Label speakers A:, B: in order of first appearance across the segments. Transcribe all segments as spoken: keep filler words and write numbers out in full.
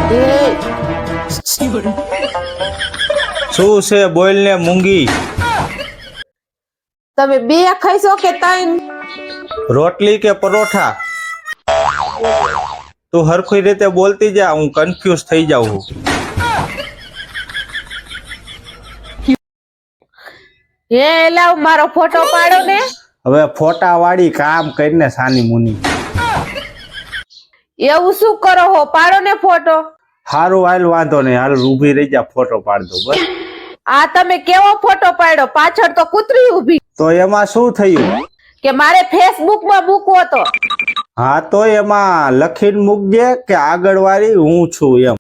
A: શું છે બોલ ને મૂંગી?
B: તમે બે ખાઈશો કે ત્રણ?
A: રોટલી કે પરોઠા? તું હરખી રીતે બોલતી જા, હું કન્ફ્યુઝ થઈ જાઉં છું.
B: હે લાવ મારો ફોટો પાડો ને.
A: હવે ફોટા વાળી કામ કરીને સાની મુની.
B: એવું શું કરો હો? પાડો ને ફોટો.
A: હારું હાલ, વાંધો નહીં, હાલ ઊભી રહી જા, ફોટો પાડ દઉં બસ.
B: આ તમે કેવો ફોટો પાડ્યો? પાછળ તો કૂતરી ઊભી.
A: તો એમાં શું થયું?
B: કે મારે ફેસબુક માં મૂકવો તો.
A: હા તો એમાં લખીને મૂકજે કે આગળ વાળી હું છું એમ.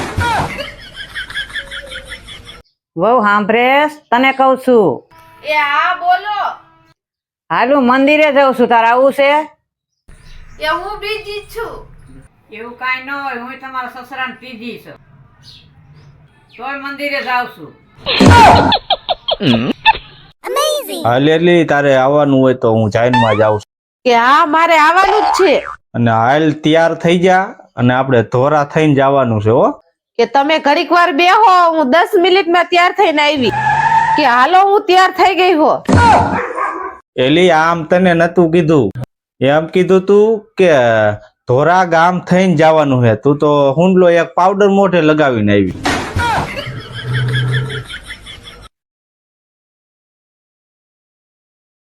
C: વહુ સાંભળેશ, તને કહું છું.
B: એ હા બોલો.
C: હાલું મંદિરે જાઉં છું, તારે આવું છે?
B: એ હું બીજી છું.
C: એવું કાંઈ ન હોય, હું તમારા સસરાને પીધી છું, તોય મંદિરે જાઉં છું.
A: હાલ એટલી તારે આવવાનું હોય તો હું જાઈનમાં જાઉં છું.
B: કે હા મારે આવવાનું જ છે.
A: અને હાલ તૈયાર થઈ જા, અને આપણે ધોરા થઈને જવાનું છે હો.
B: કે તમે ઘડીક વાર બેહો, હું દસ મિનિટમાં તૈયાર થઈને આવી. કે હાલો હું તૈયાર થઈ ગઈ હો.
A: એલી આમ તને નતું કીધું, એમ કીધું તું કે ધોરા ગામ થઈને જવાનું છે. તું તો હુંડલો એક પાવડર મોઢે લગાવીને આવી.